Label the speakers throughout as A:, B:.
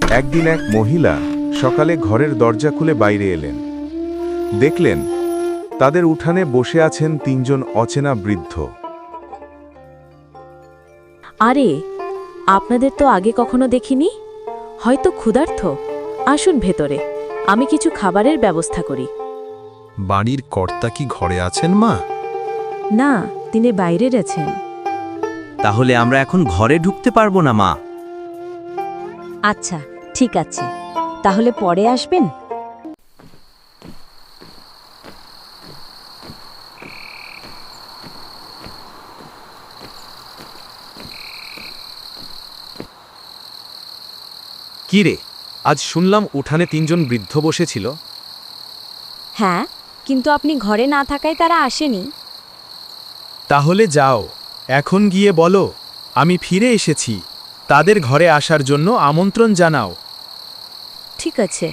A: একদিন এক মহিলা সকালে ঘরের দরজা খুলে বাইরে এলেন। দেখলেন তাদের উঠানে বসে আছেন তিনজন অচেনা বৃদ্ধ।
B: আরে, আপনাদের তো আগে কখনো দেখিনি, হয়তো ক্ষুধার্ত। আসুন ভেতরে, আমি কিছু খাবারের ব্যবস্থা করি।
C: বাড়ির কর্তা কি ঘরে আছেন মা?
B: না, তিনি বাইরে গেছেন।
D: তাহলে আমরা এখন ঘরে ঢুকতে পারবো না মা।
E: আচ্ছা, ঠিক আছে, তাহলে পরে আসবেন।
C: কি রে, আজ শুনলাম উঠানে তিনজন বৃদ্ধ বসেছিল।
E: হ্যাঁ, কিন্তু আপনি ঘরে না থাকায় তারা আসেনি।
F: তাহলে যাও, এখন গিয়ে বলো আমি ফিরে এসেছি, তাদের ঘরে আসার জন্য আমন্ত্রণ জানাও।
B: ঠিক আছে।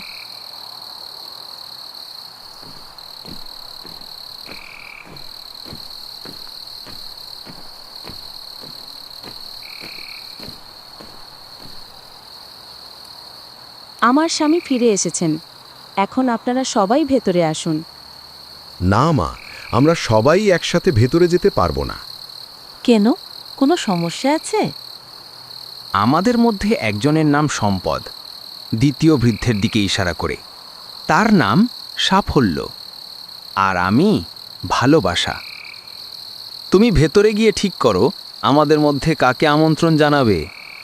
B: আমার স্বামী ফিরে এসেছেন, এখন আপনারা সবাই ভেতরে আসুন।
G: না মা, আমরা সবাই একসাথে ভেতরে যেতে পারবো না।
B: কেন, কোনো সমস্যা আছে?
D: আমাদের মধ্যে একজনের নাম সম্পদ, দ্বিতীয় বৃদ্ধের দিকে ইশারা করে। তার নাম সাফল্য, আর আমি ভালোবাসা। তুমি ভেতরে গিয়ে ঠিক করো আমাদের মধ্যে কাকে আমন্ত্রণ জানাবে।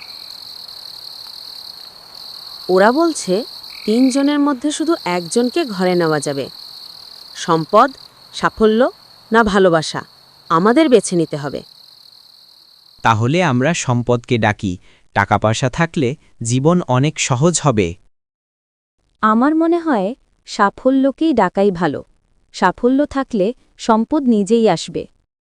H: ওরা বলছে তিনজনের মধ্যে শুধু একজনকে ঘরে নেওয়া যাবে। সম্পদ, সাফল্য না ভালোবাসা, আমাদের বেছে নিতে হবে।
I: তাহলে আমরা সম্পদকে ডাকি, টাকা পয়সা থাকলে জীবন অনেক সহজ হবে।
E: আমার মনে হয় সাফল্যকেই ডাকাই ভালো, সাফল্য থাকলে সম্পদ নিজেই আসবে।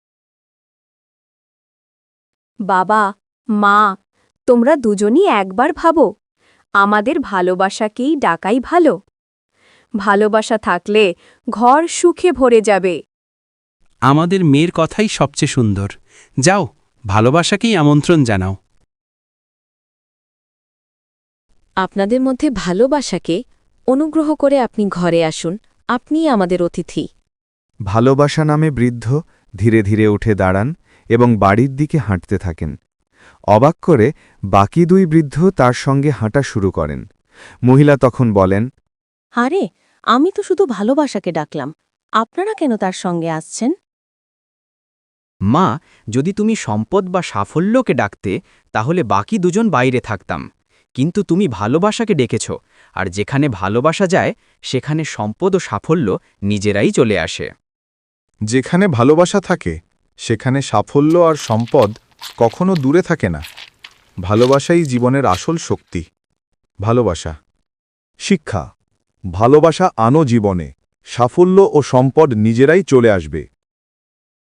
E: বাবা, মা, তোমরা দুজনই একবার ভাবো, আমাদের ভালোবাসাকেই ডাকাই ভালো। ভালোবাসা থাকলে ঘর সুখে ভরে যাবে।
I: আমাদের মেয়ের কথাই সবচেয়ে সুন্দর। যাও, ভালোবাসাকেই আমন্ত্রণ জানাও।
B: আপনাদের মধ্যে ভালোবাসাকে অনুগ্রহ করে আপনি ঘরে আসুন, আপনিই আমাদের অতিথি।
A: ভালোবাসা নামে বৃদ্ধ ধীরে ধীরে উঠে দাঁড়ান এবং বাড়ির দিকে হাঁটতে থাকেন। অবাক করে বাকি দুই বৃদ্ধ তার সঙ্গে হাঁটা শুরু করেন। মহিলা তখন বলেন,
B: আরে, আমি তো শুধু ভালোবাসাকে ডাকলাম, আপনারা কেন তার সঙ্গে আসছেন?
D: মা, যদি তুমি সম্পদ বা সাফল্যকে ডাকতে তাহলে বাকি দুজন বাইরে থাকতাম, কিন্তু তুমি ভালোবাসাকে ডেকেছ, আর যেখানে ভালোবাসা যায় সেখানে সম্পদ ও সাফল্য নিজেরাই চলে আসে।
A: যেখানে ভালোবাসা থাকে সেখানে সাফল্য আর সম্পদ কখনো দূরে থাকে না। ভালোবাসাই জীবনের আসল শক্তি। ভালোবাসা। শিক্ষা। ভালোবাসা আনো জীবনে, সাফল্য ও সম্পদ নিজেরাই চলে আসবে।